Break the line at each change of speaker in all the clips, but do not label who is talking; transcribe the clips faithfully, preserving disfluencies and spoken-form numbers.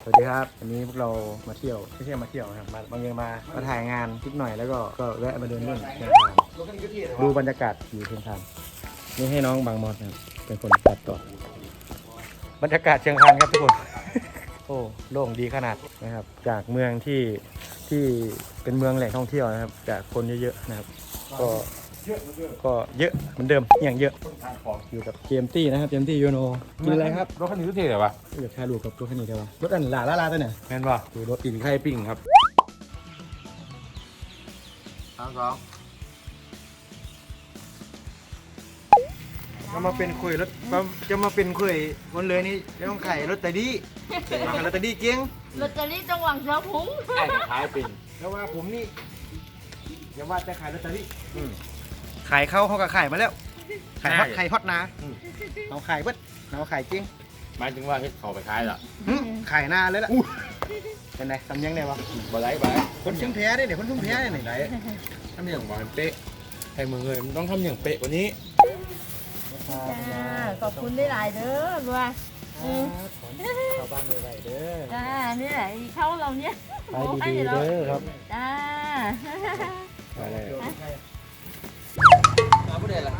สวัสดีครับวันนี้พวกเรามาเที่ยวไม่ใช่มาเที่ยวนะครับมาบางอย่างมามาถ่ายงานนิดหน่อยแล้วก็ก็แวะมาเดินเล่นเชียงคานดูบรรยากาศอยู่เชียงคานนี่ให้น้องบางมอสนะครับเป็นคนตัดต่อบรรยากาศเชียงคานครับทุกคน โอ้โล่งดีขนาดนะครับจากเมืองที่ที่เป็นเมืองแหล่งท่องเที่ยวนะครับจากคนเยอะๆนะครับก็ก็เยอะเหมือนเดิมอย่างเยอะอยู่กับเจมตี้นะครับเจมตี้ยูโนกินอะไรครับ
รถคันนี้ก็เท่เลยวะ
อยากถ่ายรูปกับรถคันนี้ได้ปะรถอันหลาลาลาตัวเนี่ย
แม่นป่ะ
ดูรถ
กินไข่ปิ้งครับสามสอง
จะมาเป็นคุยรถจะมาเป็นคุยวันเลยนี่จะต้องไข่รถแต่ดีมาขายรถแต่ดีเก่ง
ลอตเตอรี่จังหวัดเสือพุง
ไอ้ขายปิ้ง
แล้วว่าผมนี่อย่าว่าจะขายรถแต่ดีขายเข้าเขาก็ขายมาแล้วขายฮอตขายฮอตนะเอาขายเบิดเอาขายจริง
หมายถึงว่าเฮ็ดเขาไปขายล่ะ
ขายหน้าเลยล่ะเป็นไงทำยังไงวะ
บ่ไรบ่ไร
คนชุ่มแพ้ได้เดี๋ยวคนชุ่มแพ้ได้ไหน
ไหนทำอย่างหวานเป๊ะให้มึงเลยมันต้องทำอย่างเป๊ะกว่านี้
จ้าขอบคุณได้หลายเด้อบัวอืม
เข้าบ้านเลยเด้อ
จ้านี่แหละอีเข้าเราเนี่ย
ไปดีๆเด้อครับ
จ้า
ไปเลย
มาผู้ใดล่ะ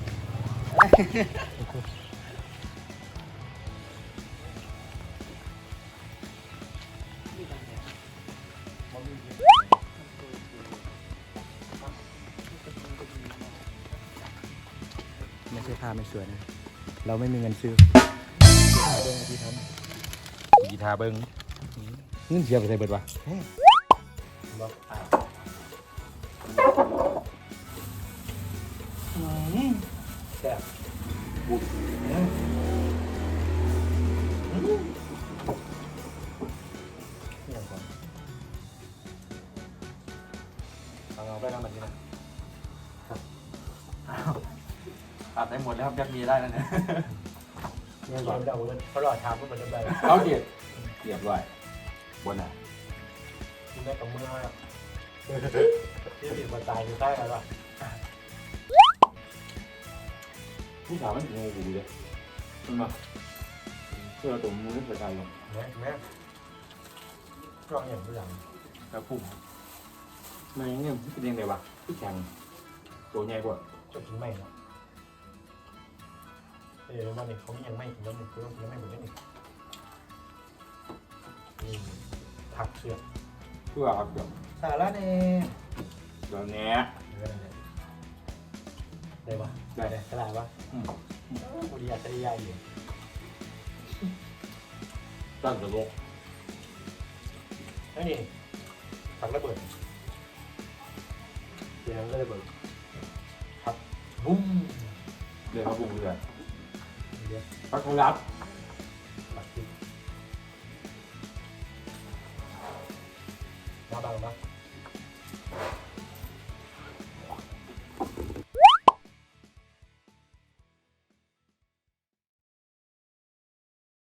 ไม่ใช่ผ้าไม่สวยนะเราไม่มีเงินซื้อเดินที่ทำ
กีทาเบิ้งเงินเสียไปใส่เบิดวะ
แซ่บเอาเอาไปทำแบบนี้นะ
ตัดได้หมดแล้วครับยักมีได้แล้วเนี่ย
เนี่ยก่อนเอาเลยเขาหลอดชามก็เหมือนเดิมเลย
เขาเดียดเดียดไว้บนอ่ะ
กินได้กับมือครับที่ติดมาตายอยู่ใต้อะไรวะ
ผู้สาวมันงูกูเลยมันมาเพื่อตัวมือไปตายลง
แม่แม่กล้องอย่างตัวอย่าง
แล้วพุ่งมันยังเนี่ยเป็นยังไงวะที่แข็งตัวใหญ่กว่า
จะกินไม่เนาะเออวันนี้เขามียังไม่กินแล้วหนึ่งคือต้องกินไม่หมดเลยนี่นี่ผักเสือก
เพื่อครับเดี๋ยว
สาระเอง
เดี๋ยวแหน่
ได้ปะได้เลยกระดาษปะ
อืม
กูดีอยากจะได้ยายอยู่
ตั้งแต่โลก
แล้วนี่ผักระเบิดเดี๋ยวระเบิดผักบุ้ม
เดี๋ยวเขาปรุงเรือ
เดี๋ยว
พักเขารับ
เ